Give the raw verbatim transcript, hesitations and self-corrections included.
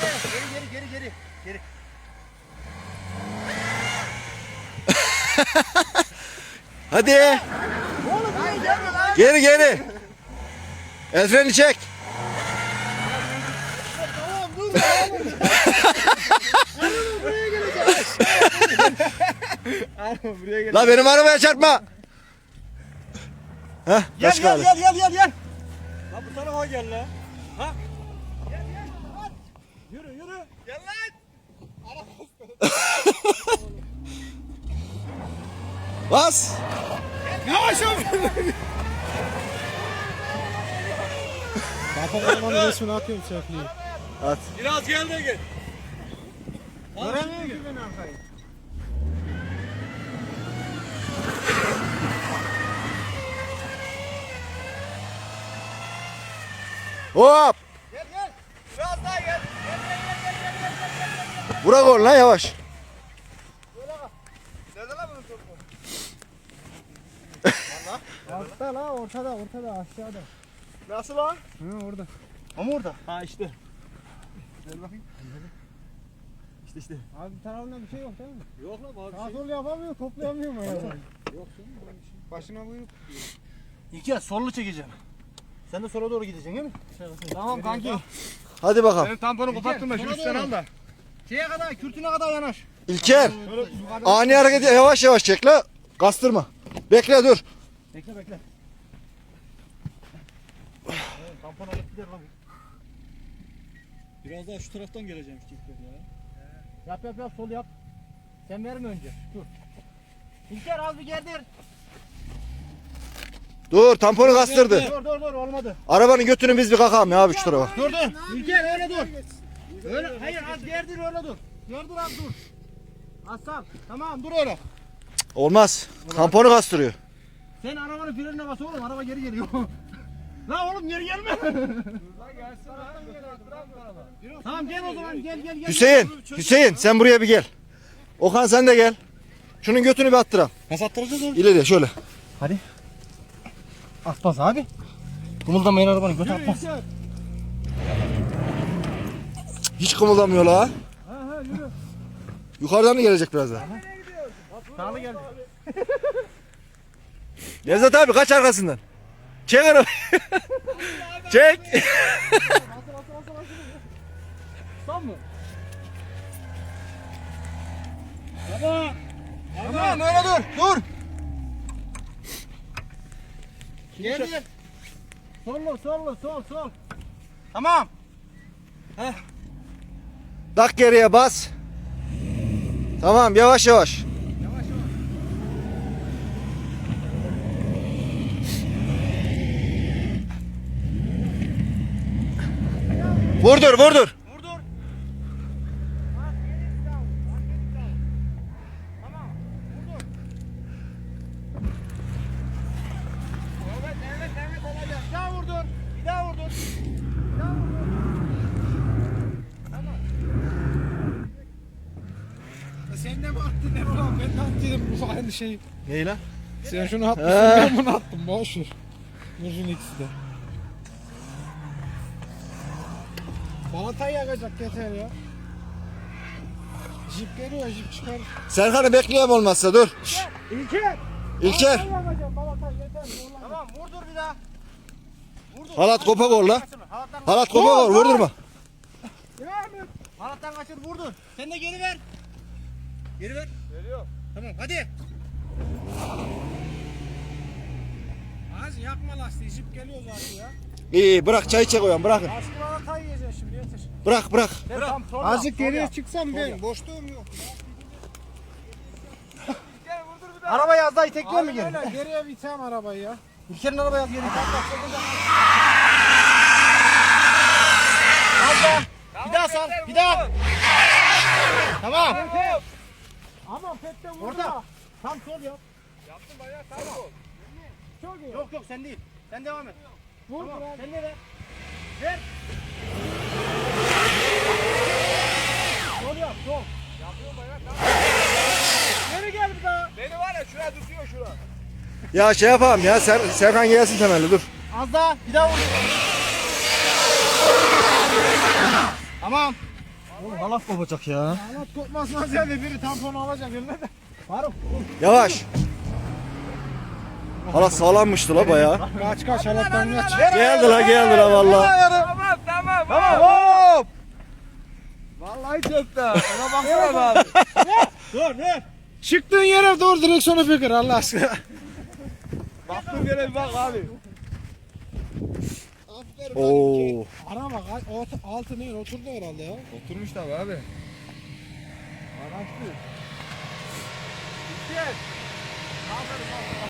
Geri geri geri geri. Hadi. Oğlum buraya gelme lan. Geri geri. El freni çek. Tamam dur oğlum. Araba buraya gelecek. Araba buraya gelecek. La benim arabaya çarpma. Heh, Gel kaç gel kaldı? gel gel gel gel. La bu tarafa gel la. Ha? Gel gel. Hadi. Yürü yürü. Gel lan. Bas. Yavaş ol. Kapamanın resmini atıyorum çöplüğü. At. Biraz gel de gel. Göremiyor ki ben arkayı. Hop. Gel gel. Biraz daha gel. Gel gel gel gel gel gel gel. Bırak oğlum lan yavaş. Böyle bak. Nerede lan bunun topu? Altta la ortada ortada aşağıda. Nasıl lan? Hı orada. Ama orada. Ha işte. Gel bakayım. İşte işte. Abi bir tarafında bir şey yok değil mi? Yok lan abi. Sağ sol yapamıyor toplayamıyor mu? Yok. Başına buyruk. İki sollu çekeceğim. Sen de sola doğru gideceksin değil mi? Tamam kanki. Hadi bakalım. Senin tamponu koparttım da şu üstten al da. Şeye kadar, kürtüne kadar yanaş. İlker. Ani hareket yavaş yavaş çek la. Kastırma. Bekle dur. Bekle bekle. Evet, tampon alıp gider lan. Biraz daha şu taraftan geleceğim çiftler ya. Yap yap yap sol yap. Sen verme önce. Dur. İlker az bir gerdir. Dur tamponu kastırdı. Dur dur dur olmadı. Arabanın götünü biz bir kakalım ya abi şu tarafa. Dur dur. İlker öyle dur. Öyle hayır az gerdir öyle dur. Gerdir az dur. Az sal. Tamam dur öyle. Olmaz. Tamponu kastırıyor. Sen arabanın frenine bas oğlum araba geri geliyor. La oğlum geri gelme. Tamam gel o zaman gel gel gel. Hüseyin. Hüseyin sen buraya bir gel. Okan sen de gel. Şunun götünü bir attıralım. Nasıl attıracağız oğlum? İleri şöyle. Hadi. Atmaz abi. Kımıldamayın arabanın götü atmaz. Hiç kımıldamıyor la. Ha ha yürü. Yukarıdan mı gelecek biraz daha? Sağlı geldi. Nevzat abi kaç arkasından. Çek arabayı. Çek. Son mu? Baba. Tamam öyle dur. Dur. Geri. Sollu sollu sol sol. Tamam. Heh. Tak geriye bas. Tamam yavaş yavaş. Yavaş yavaş. Vurdur vurdur. Vur dur. Bas geri down. Bas geri down. Tamam. Vur dur. Evet evet evet olacak. Bir daha vur dur. Bir daha vur dur. Bir daha vur dur. Tamam. Sen ne mi attın ne falan ben de attıydım bu aynı şeyi. Neyi lan? Sen şunu atmışsın He. ben bunu attım boş ver. Vurun ikisi de. Balatayı yakacak yeter ya. Jip geliyor jip çıkar. Serkan'ı bekleyeyim olmazsa dur. İlker. İlker. Balatayı yakacağım balatay yeter. Tamam vur dur bir daha. Vur dur. Halat kopak ol la. Halattan Halat kopak ol vurdurma. Devam et. Halattan kaçır vur dur. Sen de geri ver. Geri ver. Veriyor. Tamam hadi. Az yakma lastiği jip geliyor zaten ya. İyi iyi bırak çay çek oyan bırakın. Aşkı balatayı yiyeceksin şimdi yeter. Bırak bırak. Sen tam sol yap, Azıcık sol geriye yap. çıksam ben boşluğum yok. Arabayı az daha itekliyor mu Aynen geri? öyle geriye bitem arabayı ya. İlker'in arabayı az geri itek. Az daha. Bir daha sal. Bir daha. Tamam. Aman pette vurdu. Orada. Tam sol yap. Yaptım bayağı tam ol. Çok iyi. Yok yok sen değil. Sen devam et. Vur Tamam. biraz. Sen de ver. Ver. Sol yap sol. Yapıyorum bayağı tam. Geri gel bir daha. Beni var ya şuraya tutuyor şura. Ya şey yapalım ya Ser Serkan gelsin temelli dur. Az daha. Bir daha vur. Tamam. Oğlum halat kopacak ya. Halat kopmasına ziyade biri tamponu alacak eline de. Faruk. Yavaş. Halat sağlammıştı la bayağı. Kaç kaç halattan kaç. Geldi la geldi la valla. Tamam tamam. Tamam hop. Vallahi çöktü. Ona baksana abi. Dur dur. Çıktığın yere doğru direksiyonu fikir Allah aşkına. Baktığın yere bir bak abi. Oo. Ara bak alt- altı ne oturdu herhalde ya. Oturmuş tabi abi. Araçlı. Gel. Aferin aferin.